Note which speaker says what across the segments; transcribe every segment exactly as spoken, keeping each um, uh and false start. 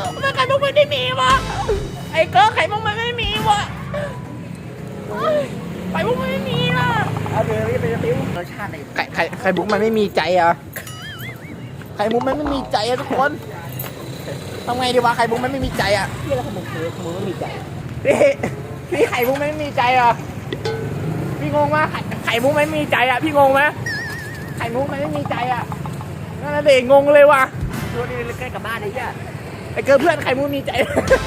Speaker 1: ทำไมไข่มุกมันไม่มีวะไอ้เกอไข่มุกมันไม่มีวะไข่มุกมันไม่มีล่ะเอาเดี๋ยวนี้ไปจะติ้วรสชาติไข่ไข่ไข่มุกมันไม่มีใจอ่ะไข่มุกมันไม่มีใจอ่ะทุกคนทำไงดีวะไข่มุกมันไม่มีใจอ่ะพี่แล้วไข่มุกคือไข่มุกไม่มีใจพี่พี่ไข่มุกไม่มีใจอ่ะพี่งงมากไข่ไข่มุกไม่มีใจอ่ะพี่งงไหมไข่มุกมันไม่มีใจอ่ะนั่นแหละเด็กงงเลยว่ะดูนี่ใกล้กับบ้านเลยเนี่ยไอ้เกิร์ลเพื่อนไข่มุกมีใจ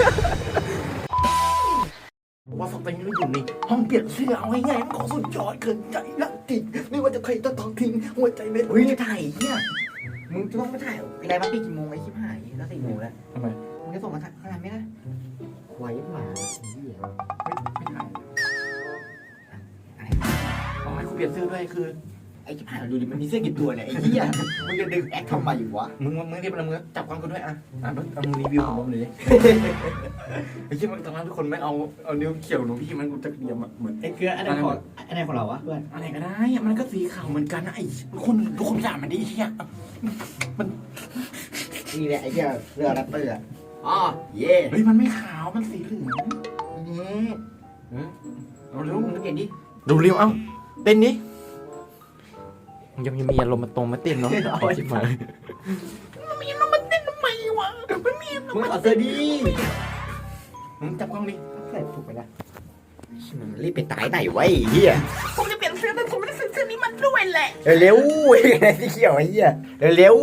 Speaker 1: ว่าสักตอนนี้เราอยู่ในห้องเปลี่ยนเสื้อเอาง่ายๆมันของสุดยอดเกินใจละติไม่ว่าจะใครต้องต้องทิ้งหัวใจเม็ดเฮ้ยถ่ายเนี่ยมึงจะต้องมาถ่ายอะไรมาปีกี่โมงไอ้ชิบหายแล้วสี่โมงแล้วทำไมมึงจะส่งมาถ่ายขนาดไหมนะไว้หมาเหี้ยไม่ถ่ายอะไรเอาให้กูเปลี่ยนเสื้อด้วยคือไอ้ชิบหายดูดิมันมีเสื้อกี่ตัวเนี่ยไอ้เหี้ยมึงจะดึงแอคทำไมอยู่วะมึงมึงเรียบร้อยมึงจับกล้องกูด้วยอ่ะอ่ะเอามึงรีวิวของมึงเลยไอ้เหี้ยมันตอนนั้นทุกคนไม่เอาเอานิ้วเขี่ยวหนูพี่มันกูจะเดียมอ่ะเหมือนไอ้เกลืออันไหนของอันไหนของเราวะเพื่อนอันไหนก็ได้มันก็สีขาวเหมือนกันนะไอ้ทุกคนทุกคนด่ามันดิไอ้เหี้ยมันนี่แหละไอ้เหี้ยเรือแรปเปอร์อ่ะอ๋อเย่เฮ้ยมันไม่ขาวมันสีเหลืองนี่เอาเร็วมึงเต้นดิดูเร็วเอ้าเต้นดิยังยังมีอารมณ์มาตรงมาเต้นเนาะไอ้ชิบหายมันมีอารมณ์มาเต้นทำไมวะมันมีอารมณ์มึงเอาเสื้อดิมึงจับกล้องดิใส่ถูกไปละมึงรีบไปตายไหนวะไอ้เหี้ยผมจะเปลี่ยนเสื้อแต่ผมไม่ได้ใส่เสื้อนี้มันด้วยแหละเร็วไอ้ไงที่เขียวไอ้เหี้ยเร็ว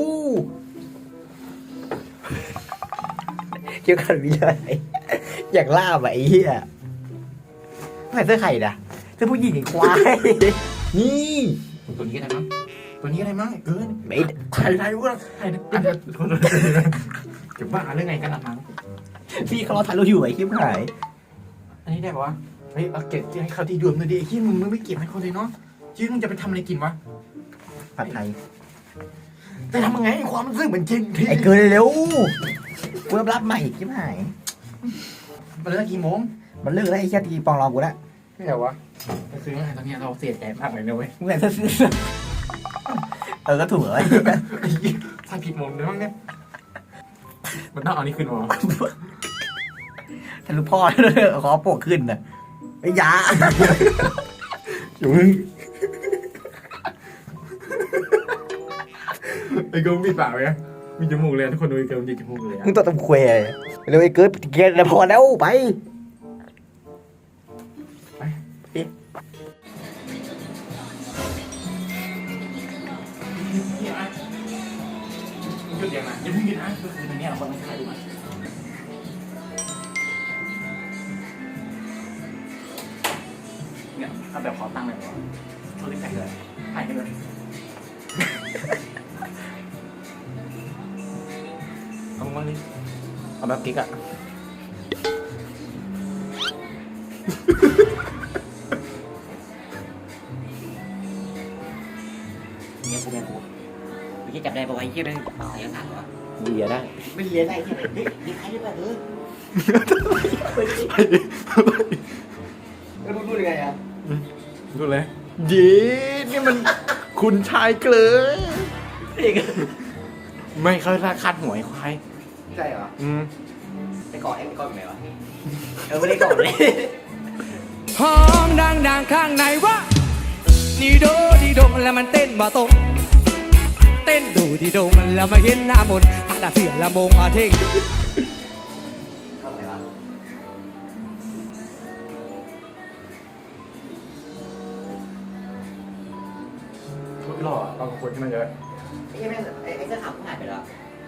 Speaker 1: เกี่ยวกันวิเลยอยากล่าไอ้เหี้ยใส่เสื้อไข่ด่ะเสื้อผู้หญิงควายนี่ตัวนี้ก็ได้มั้งตัวนี้ก็ได้มั้งเกินไม่ถ่ายถ่ายว่าถ่ายอันนี้จะบ้าเรื่องไงกันล่ะมั้งพี่เขาถ่ายรูปอยู่ไอ้คลิปหายอันนี้ได้ปะวะเฮ้ยเอาเก็บให้เขาที่ดื่มเลยดิไอ้ที่มึงมึงไม่เก็บให้เขาเลยเนาะชื่อมึงจะไปทำอะไรกินวะผัดไทยจะทำยังไงความรู้สึกเหมือนจริงไอ้เกินเร็วกูรับรับใหม่คลิปหายมันเลิกกี่โมงมันเลิกแล้วไอ้แค่ตีปองรองกูแล้วไม่เหรอวะก็คือตอนนี้เราเสียใจมากเลยนะเว้ยมึงไงถ้าซื้อเออก็ถูกเลยถ้าผิดมุมด้วยมั้งเนี่ยมันต้องเอานี่ขึ้นมาทะลุพ่อเลยขอโปกขึ้นน่ะไอ้ยาอยู่มึงไอ้กูมีปากไหมมีจมูกเลยทุกคนดูไอ้เกิร์ลมีจมูกเลยมึงตัวตำแควเร็วไอ้เกิร์ลเกลียดแล้วพอแล้วไปหยุดยังไงอย่าเพิ่งหยุดนะคือตรงนี้เราคนต้องถ่ายดูเนี่ยถ้าแบบขอตั้งเลยว่าโทรศัพท์ถ่ายเลยถ่ายกันเลยเอามาดิเอาแบบกิ๊กอะเนี่ยกูแม่กูไม่ใช่จับได้ปะวะยี่ได้เสียงสั่นวะไม่เลียได้ไม่เลียได้แค่ไหนเฮ้ยใครได้ป่ะเออแล้วมึงพูดยังไงอ่ะพูดเลยเย้นี่มันคุณชายเกลือไม่เขาราคาหวยควายใช่เหรออืมไอ้กอดไอ้กอดอยู่ไหนวะเออไม่ได้กอดเลยห้องดังๆข้างในวะดีโดดีโดแล้วมันเต้นบ่ตรงเต้นดูดีโดมันแล้วมาเห็นหน้ามนอาดาเสียละมงอาเท่งเข้าไหนวะหล่อเรากับคนที่มันเยอะไอ้แม่ไอ้ไอ้เสื้อขาวหายไปแล้ว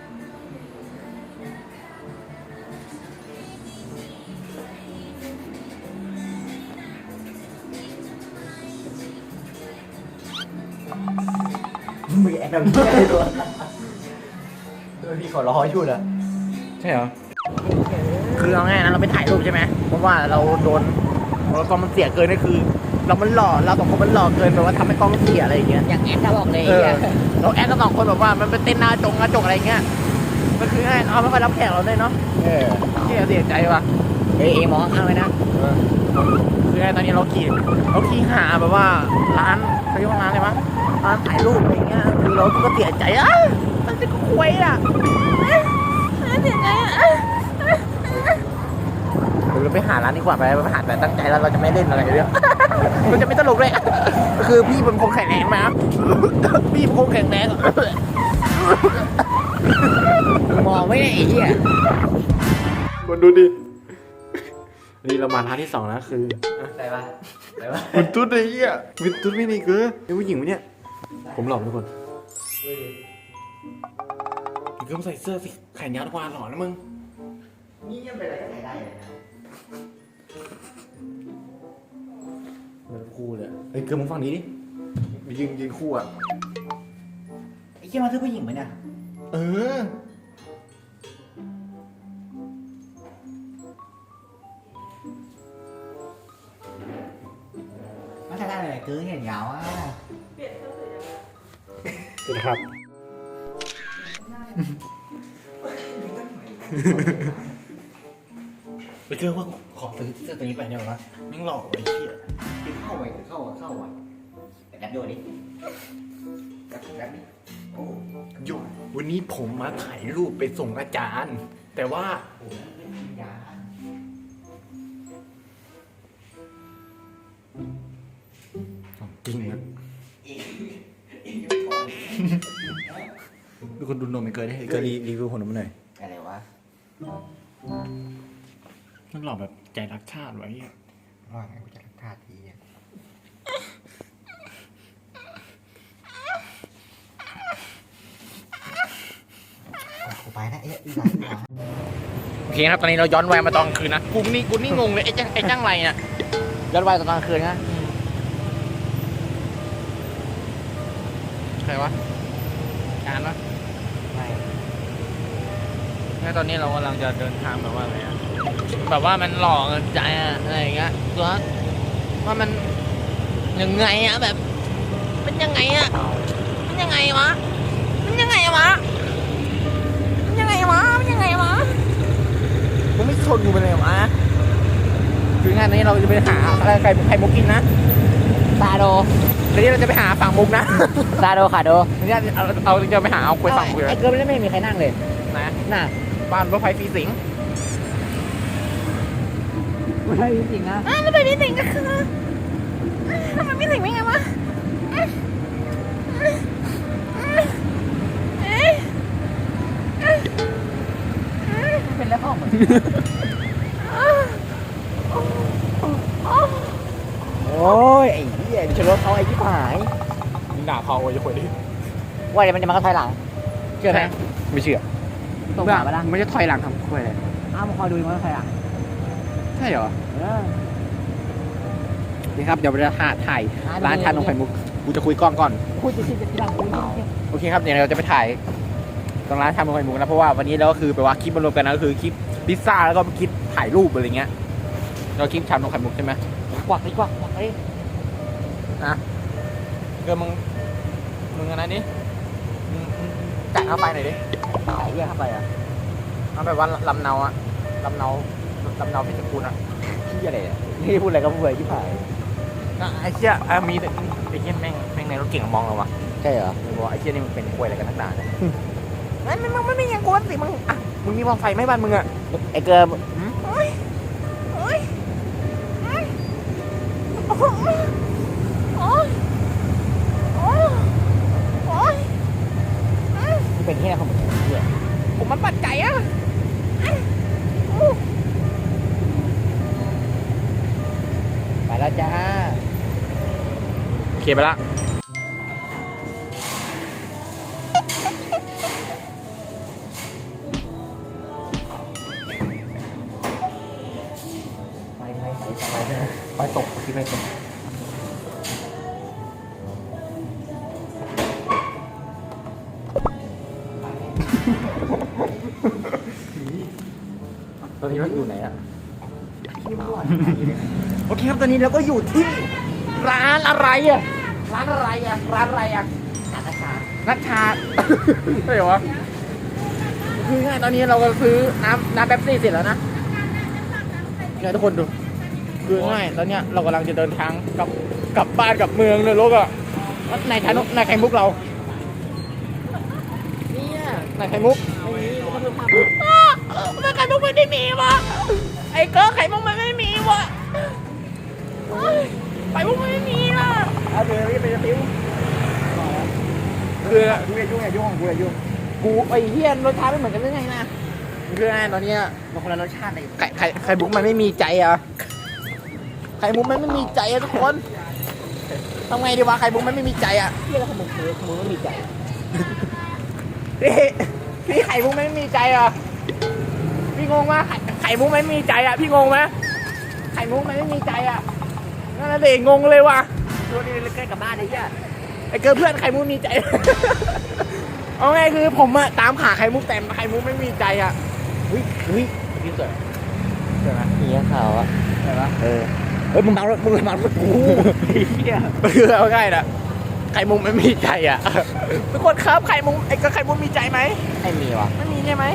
Speaker 1: มึงแอบทำยังไงตัวพี่ขอร้อยชุดอะใช่เหรอคือเอาง่ายนะเราไปถ่ายรูปใช่ไหมเพราะว่าเราโดนเรากล้องมันเสียเกินนี่คือ เรามันหล่อเราสองคนมันหล่อเกินแบบว่าทำให้กล้องเสียอะไรอย่างเงี้ยอย่างแอดเราบอกเลยเราแอดก็สองคนแบบว่ามันเป็นเต้นหน้าจงหน้าจงอะไรเงี้ยมันคือง่ายเอาไม่ค่อยรับแขกเราเลยเนาะเออเสียเสียใจว่ะเอ้ยมองข้างไว้นะคือง่ายตอนนี้เราขี่เราขี่หาแบบว่าร้านเขาเรียกว่าร้านอะไรวะร้านถ่ายรูปอะไรเงี้ยคือเราก็เสียใจอ่ะมันจะก็คุยอ่ะเสียใจอ่ะ
Speaker 2: ไปหาร้านดีกว่าไปไปหาแต่ตั้งใจแล้วเราจะไม่เล่นอะไรเลยมันจะไม่ตลกเลยคือพี่เป็นคนแข็งแรงมาพี่เป็นคนแข็งแรงมองไม่ได้ไอ้เหี้ยคนดูดินี่เรามาร้านที่สองแล้วคืออะไรวะอะไรวะวินตุ๊ดไอ้เหี้ยวินตุ๊ดไม่นี่คือเป็นผู้หญิงไหมเนี่ยผมหลอกทุกคนมึงก็ใส่เสื้อสิแขนยาวทุกวันหล่อนะมึงนี่ยังเป็นอะไรก็ใส่ได้เลยนะเหมือนคู่เลยเฮ้ยเกิร์ลมึงฟังนี้ดิไปยืนยืนคู่อ่ะไอ้เหี้ยมาเสื้อผู้หญิงไหมเนี่ยเออมาใส่ได้เลยเกิร์ลเห็นยาวอ่ะเปลี่ยนเสื้อเลยสวัสดีครับไปเจอว่าขอซื้อเสื้อตัวนี้ไปเนี่ยวะมึงหลอกไอ้เหี้ยเข้าไปเข้าเข้าอ่ะแอบดูดิแอบแอบดิโอ้ยวันนี้ผมมาถ่ายรูปไปส่งอาจารย์แต่ว่าจริงนะดูคนดูนมมันเกินได้เกินรีวิวคนนมหน่อยอะไรวะมันหลอกแบบใจรักชาติไว้ว่าไงกูจะรักชาติทีเนี่ยกูไปนะเอ๊ะโอเคครับตอนนี้เราย้อนวัยมาตอนกลางคืนนะกูนี่กูนี่งงเลยไอ้จ้างไอ้จ้างไรเนี่ยย้อนวัยตอนกลางคืนนะใครวะการวะไม่แล้วตอนนี้เรากำลังจะเดินทางแบบว่าอะไรอะแบบว่ามันหลอกใจอะไรอย่างเงี้ยตัวว่ามันยังไงอะแบบมันยังไงอะมันยังไงวะมันยังไงวะมันยังไงวะมันยังไงวะมึงไม่ชนกูไปเลยวะคืองานนี้เราจะไปหาอะไรไข่ไข่มุกกินนะซาโดทีนี้เราจะไปหาฝั่งมุกนะซาโดขาโดทีนี้เราเราจะไปหาเอาคุยฝั่งคุยไอ้เกิร์ลไม่มีใครนั่งเลยนะน่ะบ้านรถไฟฟรีสิงรถไฟฟรีสิงนะรถไฟฟรีสิงก็คือทำไมไม่สิงไม่ไงวะเป็นแล้วพ่อเหมือนโอ้ยไอ้เหี้ยชนรถเขาไอ้ที่หายมึงด่าเขาไอ้คนนี้ว่าเดี๋ยวมันจะมาก็ถอยหลังเชื่อไหมไม่เชื่อตรงหลังมาละไม่จะถอยหลังทำคุยเลยอ้าวมึงคอยดูมันถอยหลังใช่เหรอนี่ครับเดี๋ยวเราถ่ายถ่ายร้านชานมไข่มุกกูจะคุยกล้องก่อนคุยจะชิมจะที่หลังโอเคครับเดี๋ยวเราจะไปถ่ายตรงร้านชานมไข่มุกนะเพราะว่าวันนี้เราก็คือแปลว่าคลิปมารวมกันนะก็คือคลิปพิซซ่าแล้วก็คลิปถ่ายรูปอะไรเงี้ยเราคลิปชานมไข่มุกใช่ไหมกวักดิกวักกวักดินะเกิดมึงมึงอะไรนี่จ่ายเข้าไปหน่อยดิจ่ายเยอะเข้าไปอ่ะเอาแบบว่าลำเนาอะลำเนาลำเนาพิจิตรอะที่อะไรอ่ะนี่พูดอะไรก็พูดไปที่ผ่านไอ้เชี่ยมีไอ้เชี่ยแม่งแม่งในรถเก่งมองเราวะใช่เหรอมึงบอกไอ้เชี่ยนี่มันเป็นควยอะไรกันนักหนาเนี่ยไม่ไม่มึงไม่ยังกวนสิมึงอ่ะมึงมีมองไฟไหมบ้านมึงอ่ะไอ้เกิร์ลโอ้ยโอ้ยโอ้ยโอ้ยโอ้ยโอ้ยเป็นที่ไหนของผมเนี่ยผมมันปัดไก่อะไปแล้วจ้าโอเคไปละไปไปไปไปไปตกที่ไปตกตอนนี้เราอยู่ไหนอ่ะโอเคครับตอนนี้เราก็อยู่ที่ร้านอะไรอ่ะร้านอะไรอ่ะร้านอะไรอ่ะนัชชานัชชาใช่เหรอคือง่ายตอนนี้เราก็ซื้อน้ำน้ำแป๊บซี่เสร็จแล้วนะเนี่ยทุกคนดูคือง่ายแล้วเนี่ยเรากำลังจะเดินทางกลับกลับบ้านกลับเมืองเลยลูกอ่ะนายชานกนายไข่มุกเราเนี่ยนายไข่มุกไม่มีมันไข่มุกไม่ได้มีวะไไอ้เกอร์ไข่มุกมันไม่มีวะไข่มุกมันไม่มีล่ะ
Speaker 1: เอาเดี๋ยวไปจะติ้ว
Speaker 2: คือ
Speaker 1: กูอย่ายุ่งอย่ายุ่งกูอย่ายุ่ง
Speaker 2: กูไอ้เฮียรสชาติไม่เหมือนกันได้ไงนะคือไงตอนเนี้ย
Speaker 1: มันคนละรสชาติเลย
Speaker 2: ไข่ไข่ไข่มุกมันไม่มีใจอ่ะไข่มุกมันไม่มีใจอ่ะทุกคนทำไงดีวะไข่มุกมันไม่มีใจอ่ะ
Speaker 1: เที่ยแล้วขนมเค้กขนมไม่มีใจ
Speaker 2: พี่พี่ไข่มุกไม่มีใจอ่ะพี่งงว่าไข่ไข่มุกไม่มีใจอ่ะพี่งงไหมไข่มุกมันไม่มีใจอ่ะนั่นแหละเด็กงงเลยว่ะ
Speaker 1: ตัวนี้ใกล้กับบ้านเลยจ้ะ
Speaker 2: ไอ้เกิร์เพื่อนไข่มุกมีใจ เอาไงคือผมอะตามหาไข่มุกแต่ไข่มุกไม่มีใจอะอุ้ยอุ้ยพี่สวยสวยไหม
Speaker 1: เหี้ยขาวอ่ะ
Speaker 2: สวยปะ
Speaker 1: เออเฮ้ยมึงเมารถมึงเมารถกูเหี้ย
Speaker 2: คือเอาง่ายนะไข่มุกไม่มีใจอะทุกคนครับไข่มุกไอ้ก็ไข่มุกมีใจไหม
Speaker 1: ไม่มีวะ
Speaker 2: ไม่มีใช่ไหม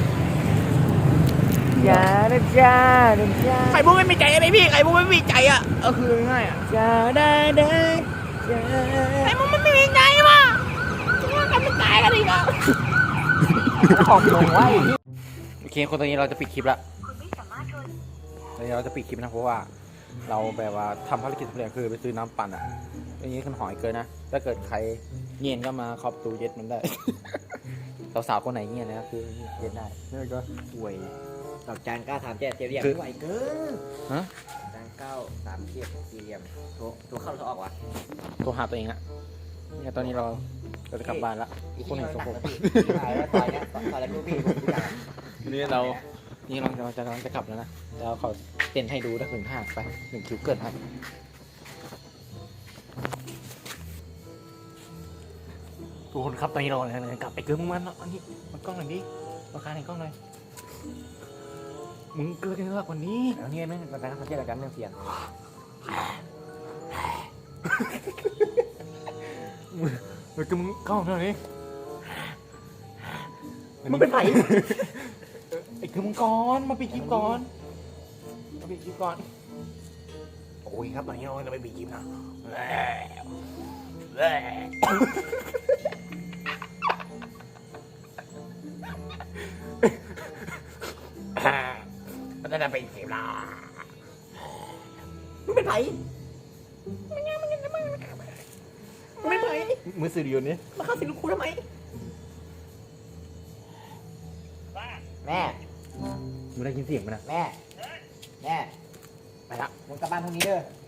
Speaker 1: จ้านะจ้านะจ้า
Speaker 2: ไข่มุกไม่มีใจอะไรพี่ไข่มุกไม่มีใจอะเออคือง่ายอะ
Speaker 1: จ้าได้ได้จ้า
Speaker 2: ไข่มุกมันไม่มีใจว่ะว่ากันไม่ตายกันอีกอะ
Speaker 1: ของมึงไว้
Speaker 2: โอเคคนตอนนี้เราจะปิดคลิปละตอนนี้เราจะปิดคลิปนะเพราะว่า เราแบบว่าทำภารกิจสำเร็จคือไปซื้อน้ำปั่นอ่ะอย่างนี้ขึ้นหอยเกินนะ ถ้าเกิดใครเงียนก็มาเคาะประตูเย็ดมันได้ สาวๆคนไหนเงียนนะครับคือเย็ดได้นี่ก็ป่วย
Speaker 1: ดอกจานเก้าสามเจ็ดสี่เหลี่ยม
Speaker 2: คือ
Speaker 1: ไหวเกิน
Speaker 2: ฮะ
Speaker 1: จานเก้าสามเจ็ดสี่เหลี่ยมโทรโทรเข้าโทรออกวะ
Speaker 2: โทรหาตัวเองอะเนี่ยตอนนี้เราเราจะกลับบ้านละคนไหนสกปรก
Speaker 1: ถ่ายแล้วซอยเนี้ยซอยแล้วดูพี่
Speaker 2: นี่เรา นี่เราจะจะกำลังจะกลับแล้วนะแล้วเขาเต้นให้ดูถ้าถึงห้าไปหนึ่งคิวเกินให้ทุกคนครับตอนนี้เราเลยกลับไปเกินมึงมันอันนี้มันกล้องหน่อยดิราคาในกล้องหน่อยมึงเกินกันมากกว่านี้
Speaker 1: แล้วเนี่ยแม่งมันการทำเกี่ยวกับการเรื่องเสียง
Speaker 2: มึงก็มึงกล้องเท่านี้
Speaker 1: มึงเป็นไผ่
Speaker 2: ไอ้คือมึงก่อนมาปิดคลิปก่อนมาปิดคลิปก่อนโอ้ยครับตอนนี้เราจะไปปิดคลิปนะมันจะไปคลิปละ
Speaker 1: มึงเป็นไผ่
Speaker 2: ไม่ไหวมือสื่ออยู่นี่
Speaker 1: มาเข้าสิลูกครูทำไมแม่
Speaker 2: มึงได้ยินเสียงมันนะ
Speaker 1: แม่ แม่
Speaker 2: ไปละ
Speaker 1: มึงกลับบ้านพรุ่งนี้เด้อ